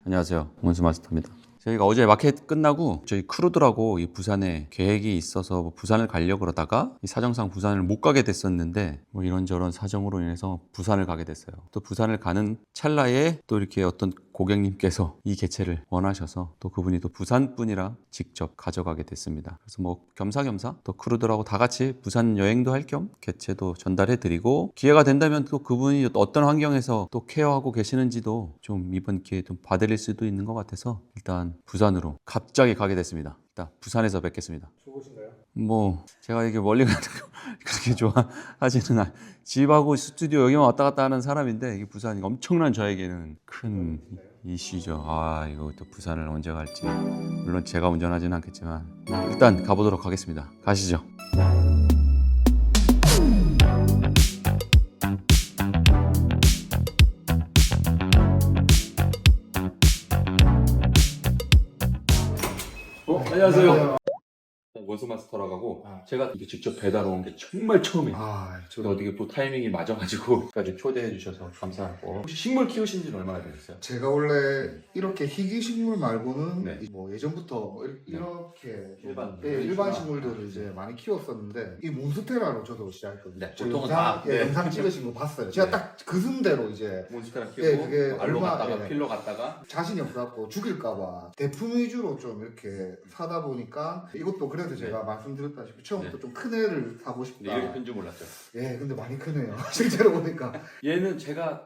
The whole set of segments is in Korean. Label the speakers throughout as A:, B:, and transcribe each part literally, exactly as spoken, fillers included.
A: 안녕하세요, 원수 마스터입니다. 저희가 어제 마켓 끝나고 저희 크루들하고 이 부산에 계획이 있어서 뭐 부산을 가려고 그러다가 이 사정상 부산을 못 가게 됐었는데 뭐 이런저런 사정으로 인해서 부산을 가게 됐어요. 또 부산을 가는 찰나에 또 이렇게 어떤 고객님께서 이 개체를 원하셔서 또 그분이 또 부산 분이라 직접 가져가게 됐습니다. 그래서 뭐 겸사겸사 또 크루들하고 다 같이 부산 여행도 할 겸 개체도 전달해 드리고, 기회가 된다면 또 그분이 어떤 환경에서 또 케어하고 계시는지도 좀 이번 기회에 좀 봐드릴 수도 있는 것 같아서 일단 부산으로 갑자기 가게 됐습니다. 일단 부산에서 뵙겠습니다.
B: 좋으신가요?
A: 뭐 제가 이게 멀리 가는 거 그렇게 좋아하지는 않. 집하고 스튜디오 여기만 왔다 갔다 하는 사람인데 이게 부산이 엄청난 저에게는 큰 이슈죠. 아, 이거 또 부산을 언제 갈지. 물론 제가 운전하지는 않겠지만 일단 가보도록 하겠습니다. 가시죠. 어, 안녕하세요. 원수 마스터라고 하고
B: 아.
A: 제가 이게 직접 배달 온 게 정말 처음이에요.
B: 아,
A: 저도 어떻게 또 타이밍이 맞아가지고 까지 초대해 주셔서 감사하고. 혹시 식물 키우신 지는 얼마나 되셨어요?
B: 제가 원래 이렇게 희귀 식물 말고는
A: 네.
B: 뭐 예전부터 뭐 이- 이렇게
A: 일반.
B: 네, 일반 식물들을 이제 많이 키웠었는데 이 몬스테라로 저도 시작했거든요.
A: 네,
B: 저
A: 보통은
B: 영상,
A: 다,
B: 예,
A: 네.
B: 영상 찍으신 거 봤어요. 제가
A: 네.
B: 딱 그 순대로 이제
A: 몬스테라
B: 예,
A: 키우고
B: 그게
A: 알로
B: 얼마-
A: 갔다가
B: 예.
A: 필로 갔다가
B: 자신이 없어갖고 죽일까봐 대품 위주로 좀 이렇게 사다 보니까 이것도 그래도 제가 말씀드렸다시피 처음부터
A: 네.
B: 좀 큰 애를 사고
A: 근데
B: 싶다.
A: 이렇게 큰 줄 몰랐죠.
B: 예, 근데 많이 크네요. 실제로 보니까.
A: 얘는 제가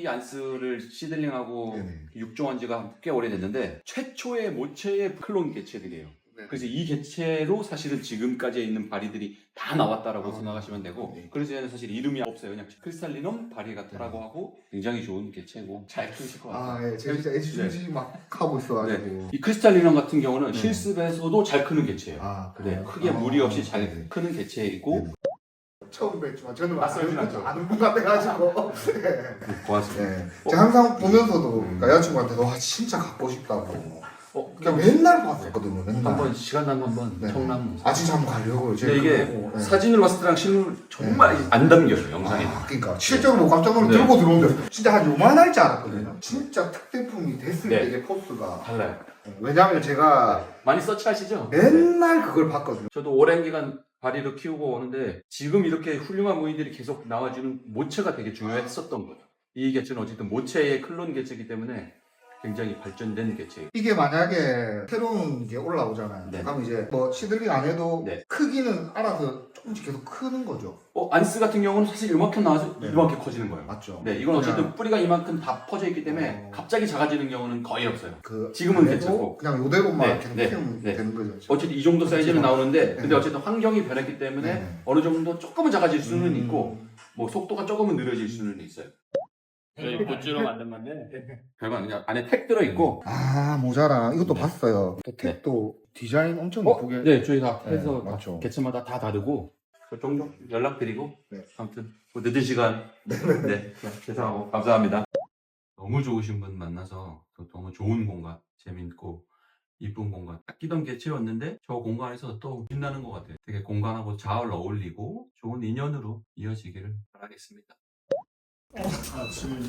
A: 바리안스를 시들링하고
B: 네네.
A: 육종한 지가 꽤 오래됐는데 최초의 모체의 클론 개체들이에요.
B: 네.
A: 그래서 이 개체로 사실은 지금까지 있는 바리들이 다 나왔다라고
B: 아,
A: 생각하시면 되고,
B: 네.
A: 그래서 얘는 사실 이름이 없어요. 그냥 크리스탈리넘 바리가타라고
B: 네.
A: 하고 굉장히 좋은 개체고 잘 키우실 것 같아요.
B: 아, 예, 제가 진짜 애지중지 막 하고 있어가지고.
A: 네. 이 크리스탈리넘 같은 경우는
B: 네.
A: 실습에서도 잘 크는 개체예요.
B: 아,
A: 네,
B: 그래요?
A: 크게
B: 아,
A: 무리 없이 잘
B: 네.
A: 크는 개체이고.
B: 네. 처음 뵙지만 저는
A: 낯설진
B: 아는,
A: 않죠.
B: 아는 분 같아가지고. 네.
A: 고맙습니다.
B: 네. 제가 항상 보면서도 그러니까 여자친구한테도 와 진짜 갖고 싶다고.
A: 어,
B: 그냥 맨날 봤었거든요. 맨날.
A: 한번 시간 나면 한번
B: 네.
A: 청남.
B: 아 진짜 한번 가려고요. 제가
A: 근데 이게
B: 그거 보고, 네.
A: 사진으로 봤을 때랑 실물 정말 안 담겨요, 영상에.
B: 아, 그러니까 실제로 뭐 깜짝 놀라
A: 네.
B: 들고 들어오는데 진짜 한 요만할 줄 알았거든요. 진짜 특대품이 됐을
A: 네.
B: 때 이게 포스가.
A: 달라요.
B: 네. 왜냐하면 제가
A: 많이 서치하시죠?
B: 맨날 그걸 봤거든요.
A: 저도 오랜 기간 바리를 키우고 오는데 지금 이렇게 훌륭한 무인들이 계속 나와주는 모체가 되게 중요했었던 거예요. 이 개체는 어쨌든 모체의 클론 개체이기 때문에 굉장히 발전된 개체예요.
B: 이게 만약에 새로운 게 올라오잖아요.
A: 네.
B: 그럼 이제 뭐 시들링 안 해도
A: 네.
B: 크기는 알아서 조금씩 계속 크는 거죠.
A: 어, 안스 같은 경우는 사실 이만큼 나와서
B: 네.
A: 이만큼 커지는 거예요.
B: 맞죠?
A: 네, 이건 어쨌든
B: 그냥
A: 뿌리가 이만큼 다 퍼져 있기 때문에
B: 어.
A: 갑자기 작아지는 경우는 거의 없어요.
B: 그
A: 지금은
B: 안 해도
A: 괜찮고.
B: 그냥 요대로만
A: 네,
B: 계속
A: 네,
B: 키우면
A: 네.
B: 되는 거죠.
A: 어쨌든 이 정도 사이즈는
B: 그렇죠.
A: 나오는데,
B: 네.
A: 근데 어쨌든 환경이 변했기 때문에
B: 네.
A: 어느 정도 조금은 작아질 수는
B: 음.
A: 있고, 뭐 속도가 조금은 느려질 수는 있어요. 저희 굿즈로 만든 건데 별건 그냥 안에 택 들어 있고.
B: 아 모자랑 이것도
A: 네.
B: 봤어요. 또 택도 디자인 엄청
A: 어?
B: 예쁘게.
A: 네, 저희 다
B: 네,
A: 해서 다
B: 맞죠.
A: 개체마다 다 다르고 종종 연락드리고.
B: 네.
A: 아무튼 뭐 늦은 시간 네, 죄송하고 감사합니다. 너무 좋으신 분 만나서 또 너무 좋은 공간, 재밌고 이쁜 공간 딱 끼던 개체였는데 저 공간에서 또 빛나는 것 같아요. 되게 공간하고 잘 어울리고 좋은 인연으로 이어지기를 바라겠습니다.
C: 아, 지금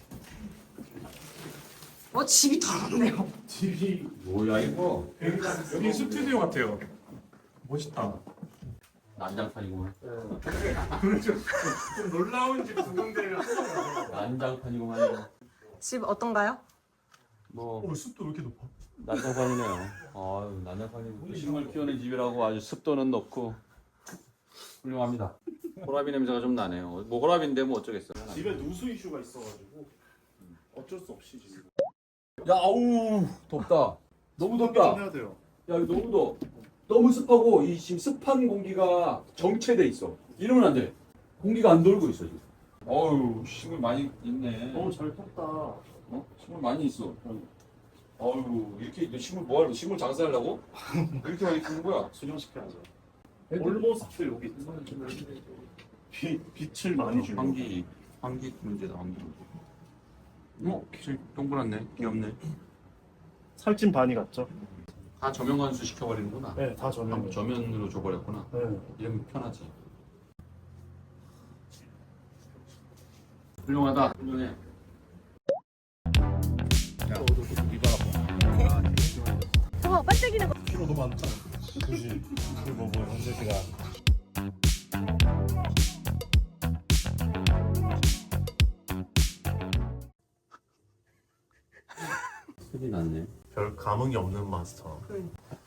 D: 어, 집이 더럽네요.
C: 집이
A: 뭐야 이거?
C: 여기 스튜디오 같아요. 멋있다.
A: 난장판이구만.
C: 좀, 좀 놀라운 집 두 군데를
A: 난장판이구만.
D: 집 어떤가요?
A: 뭐
C: 어, 숲도 왜 이렇게 높아?
A: 난장판이네요. 아유, 난장판이고 식물 키우는 집이라고 아주 습도는 높고 훌륭합니다. 호라비 냄새가 좀 나네요. 뭐 호라비인데 뭐 어쩌겠어요.
C: 집에 누수 이슈가 있어가지고 어쩔 수 없이 지금
A: 야, 아우 덥다. 너무
C: 좀
A: 덥다.
C: 해야 돼요.
A: 야, 이거 너무 더 너무 습하고 이 지금 습한 공기가 정체돼 있어. 이러면 안 돼. 공기가 안 돌고 있어 지금. 어유, 식물 많이 있네.
C: 너무 잘 컸다.
A: 어? 식물 많이 있어. 어유, 이렇게 너 식물 뭐 하려고? 식물 장사하려고? 이렇게 많이 키우는 거야?
C: 수정시켜야죠. 올모스트 여기 빛, 빛을 많이 주는
A: 환기, 환기 문제다, 환기 문제. 어, 길 동그랗네, 귀엽네.
C: 살찐 바니 같죠?
A: 다 저면 관수 시켜버리는구나.
C: 네, 다 저는.
A: 저면으로 줘버렸구나.
C: 네.
A: 이러면 편하지. 훌륭하다, 훌륭해.
D: 저 반짝이는 거.
C: 키로도 많잖아. 그지. 그리고 뭐 현재 씨가
A: 소리 났네.
C: 별 감흥이 없는 마스터.
D: 그